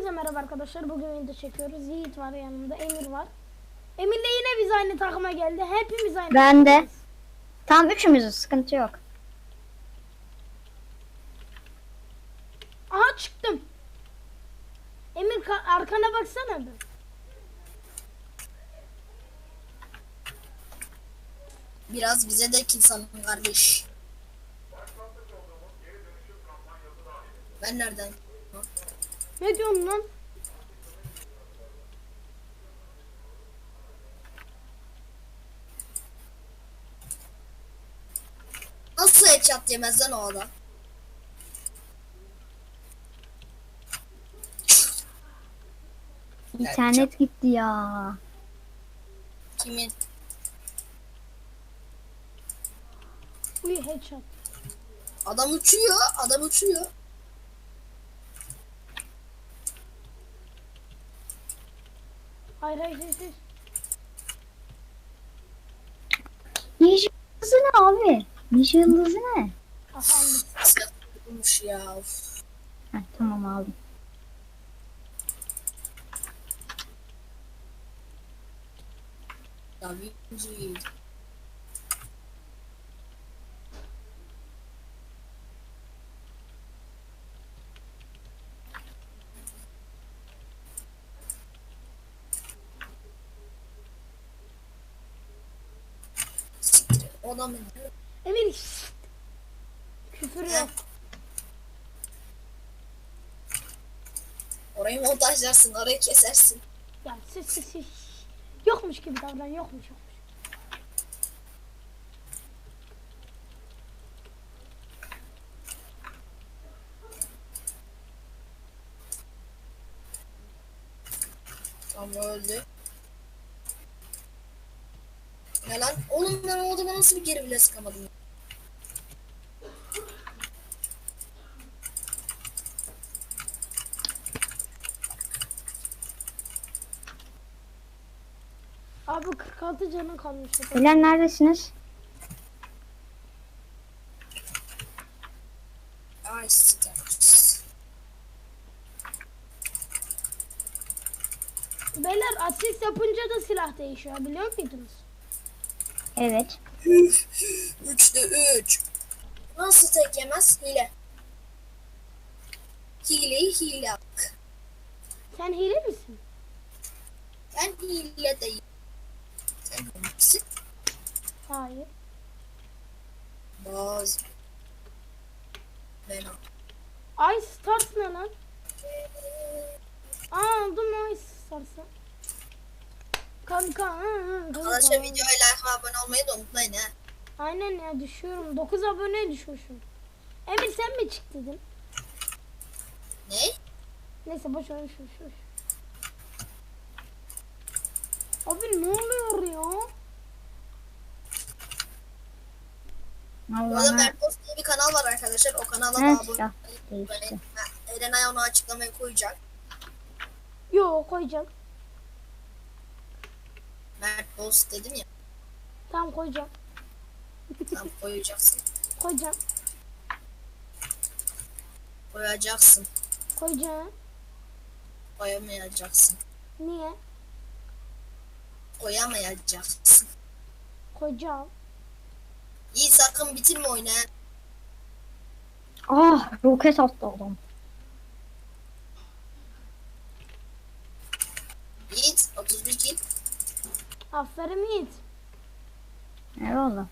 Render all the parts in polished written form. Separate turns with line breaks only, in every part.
Hepinize merhaba arkadaşlar. Bugün video çekiyoruz. Yiğit var yanımda, Emir var. Emir'le yine biz aynı takıma geldi. Hepimiz aynı
Ben de.
takımdayız.
Tam üçümüzüz, sıkıntı yok.
Aha çıktım. Emir arkana baksana bir.
Biraz bize de kill salın kardeş. Ben nereden?
Ne diyorsun lan?
Nasıl headshot yemez lan o adam?
İnternet gitti ya.
Kimin?
Uy headshot.
Adam uçuyor. Adam uçuyor.
Hayır hayır hayır. Hayır.
Ninja yıldızı ne abi? Ninja yıldızı ne?
Aha aldım.
Sıkılmış ya. Of.
Heh, tamam aldım.
Da Vinci. Siktir. O da mı?
Emir şşt. Küfür yok.
Orayı montajlarsın, orayı kesersin.
Ya siz. Yokmuş gibi davran, yokmuş.
Ama öldü. Ya lan oğlum ben o adama nasıl bir geri bile sıkamadım?
Abi 46 canın kalmış.
Beyler neredesiniz?
Ay siktir.
Beyler asist yapınca da silah değişiyor, biliyor muydunuz?
Evet.
3'te 3. Nasıl tek yemez? Hile. Hileyi hile yap.
Sen hile misin?
Ben hile değilim. Sen misin?
Hayır.
Bazı. Ben
Ay Stars ne lan? Aa aldım Ice Stars'ı. Kanka.
arkadaşlar videoya like ve abone olmayı da unutmayın ha.
Aynen ya, düşüyorum. 9 aboneye düşmüşüm. Emir sen mi çıktın?
Ne?
Neyse boş ver şu. Abi ne oluyor ya?
Bu arada
Allah'ına
Mertos diye bir kanal var arkadaşlar. O kanala da
her
abone
silah
olmayı
değişti.
unutmayın. Erenay onu açıklamaya koyacak.
Yo koyacağım.
Mertos dedim ya.
Tamam koyacağım.
Tam koyacaksın.
Koyacağım.
Koyacaksın.
Koyacağım.
Koyamayacaksın.
Niye?
Koyamayacaksın.
Koyacağım.
İyi sakın bitirme oyunu ha.
Ah, roket attı adam.
Yiğit 31 kill.
Aferin Yiğit.
Eyvallah.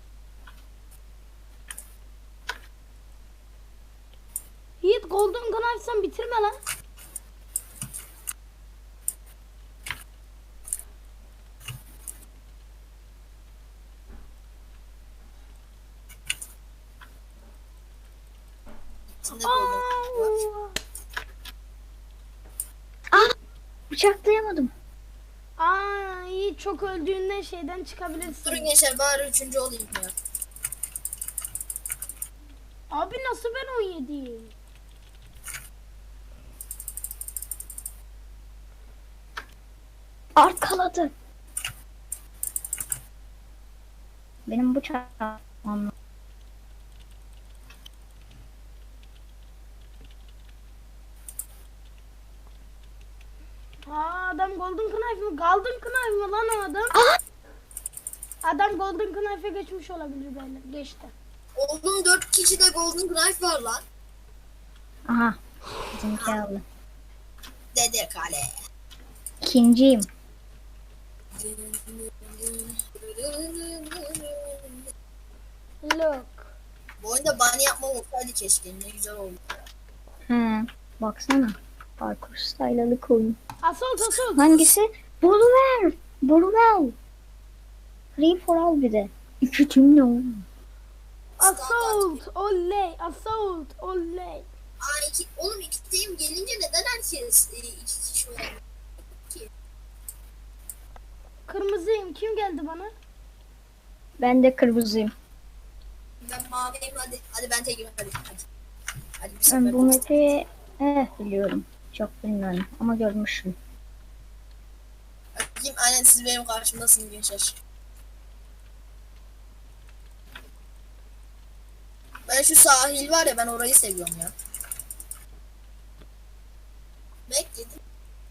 Yiğit Golden Gun açsan bitirme lan.
İçinde golden var.
Ah, bıçaklayamadım.
Aa Yiğit çok öldüğünde şeyden çıkabilirsin.
Durun gençler bari 3. olayım ya.
Abi nasıl ben 17'yim?
Arkaladı. Benim bıçağım.
adam Golden Knife mı? Golden Knife mı lan o adam? Adam Golden Knife'e geçmiş olabilir böyle. Geçti.
Oğlum 4 kişi de Golden Knife var lan.
Aha. Bizimki aldı.
Dede kale.
İkinciyim.
Look.
Bu oyunda bunny yapmam olsaydı keşke. Ne güzel oldu.
He. Baksana. Parkur style'lık oyun.
Assault.
Hangisi? Boluver. Boluver. Free for all bir de. İki tüm ne oğlum?
Assault. Oley. Assault. Oley.
Oğlum ikideyim gelince neden herkes iki kişi oynuyor ki?
Kırmızıyım. Kim geldi bana?
Ben de kırmızıyım.
Ben maviyim hadi. Hadi ben tekim hadi. Hadi bir
Ben
sefer.
bu map'i biliyorum. Çok bilmiyorum ama görmüşüm.
Bakayım aynen siz benim karşımdasınız gençler. Ben şu sahil var ya ben orayı seviyorum ya. Bekledim.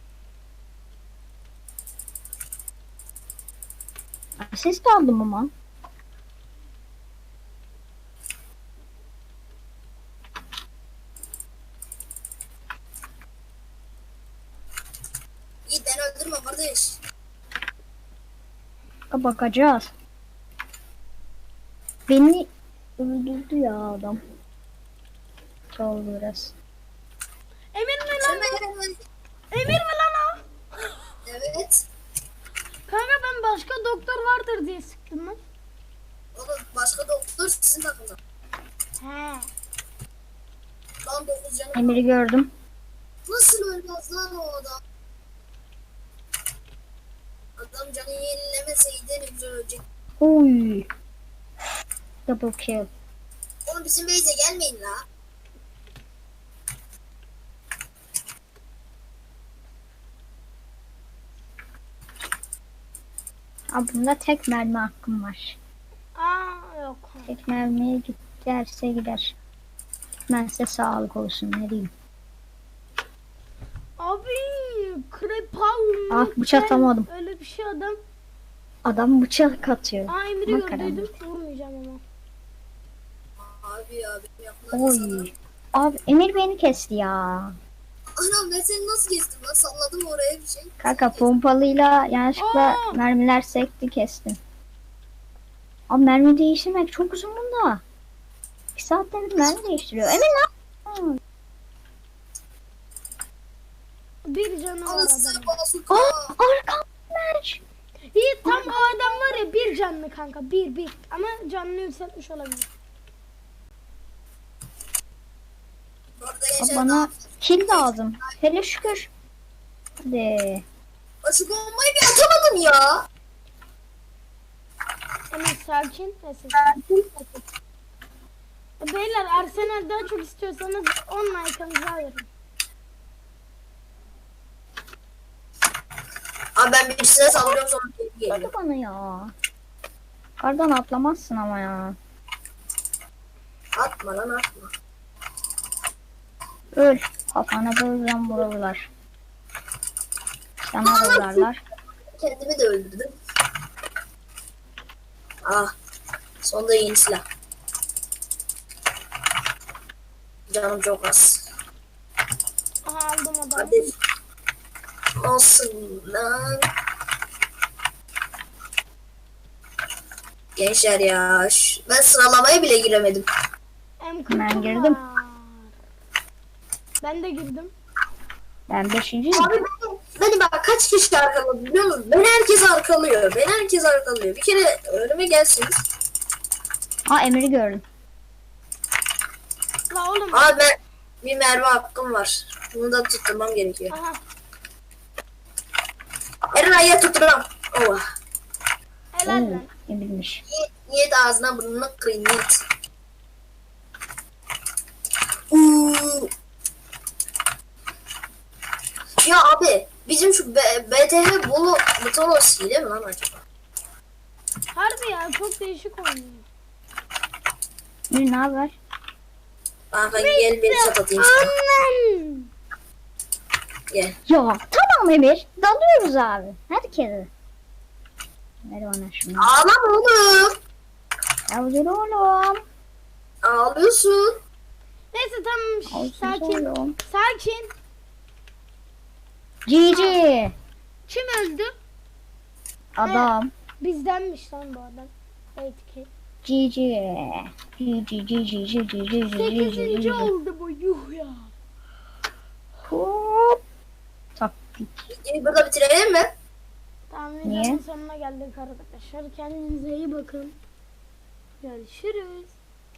Asist aldım ama.
İyi ben öldürme kardeş.
Bakacağız. Beni öldürdü ya adam. Sol biraz.
Emir mi lan? Emir mi lan o?
Evet.
Kanka ben başka doktor vardır diye sıktım lan.
Oğlum başka doktor sizin takımda.
He.
Lan 9 canım.
Emir'i gördüm.
Nasıl ölmez lan o adam? Adam canı yenilemeseydi ne güzel ölecek.
Oy. Double kill.
Oğlum bizim base'e gelmeyin la.
Abi bunda tek mermi hakkım var.
Aa yok.
Tek mermiye giderse gider. Gitmezse sağlık olsun ne diyeyim.
Abi Krepav.
Ah, bıçak atamadım.
Öyle bir şey adam.
Adam bıçak atıyor.
Aa Emir'i
Makara.
gördüydüm. Vurmayacağım ama.
Abi ya benim yapılan sana.
Oy. Abi Emir beni kesti ya.
Anam ben seni nasıl kestim lan? Salladım oraya bir şey.
Kanka pompalıyla yanlışlıkla
Aa!
mermiler sekti kestim. Abi mermi değiştirmek çok uzun bunda. 2 saatte bir mermi değiştiriyor. Emir lan.
Bir canı var
Anasını
adamın.
basuka.
Arkamdaş.
İyi tam o adam var ya bir canlı kanka. Bir. Ama canını yükseltmiş olabilir.
Bu arada
Abi
gençler
bana kill lazım. Hele şükür. Hadi.
şu bombayı bir atamadım ya.
Emir sakin. Neyse. Beyler Arsenal daha çok istiyorsanız 10 like'ınızı alırım.
Abi ben birisine saldırıyorum sonra geri geliyor.
Hadi bana ya. Kardan atlamazsın ama ya.
Atma lan atma.
Öl. Kafana böyle vururlar. Sana da vurarlar.
Kendimi de öldürdüm. Ah. Sonunda yeni silah. Canım çok az.
Aha aldım adamı.
Hadi. Olsun lan. Gençler ya. Ben sıralamaya bile giremedim.
M40
Ben girdim.
var. Ben de girdim.
Ben 5.'yim.
Abi beni bak kaç kişi arkaladı biliyor musun? Beni herkes arkalıyor. Beni herkes arkalıyor. Bir kere önüme gelsiniz.
Aa Emir'i gördüm.
La oğlum.
Abi ben bir mermi hakkım var. Bunu da tutturmam gerekiyor.
Aha.
Erenay'a tutturam. Oh.
Helal lan.
Emir'miş.
Niyet ağzına burnuna kırayım niyet. Uuu. Ya abi bizim şu BTH Bolu Mutonos hile mi lan acaba?
Harbi ya çok değişik oynuyor.
Emir ne haber?
Kanka gel beni çat atayım sana.
Annen.
Gel.
Ya tamam Tamam Emir. Dalıyoruz abi. Herkese. Ver bana şunu.
Ağlama oğlum.
Yavrum oğlum.
Ağlıyorsun.
Neyse tamam
Olsun
sakin.
oğlum.
Sakin.
Cici.
Kim öldü?
Adam.
Bizdenmiş lan bu adam. Evet ki.
Cici. Cici cici cici cici cici
8.
cici.
oldu bu yuh ya.
Hop. Taktik.
Videoyu burada bitirelim mi?
Tamam
Niye?
videonun sonuna geldik arkadaşlar. Kendinize iyi bakın. Görüşürüz.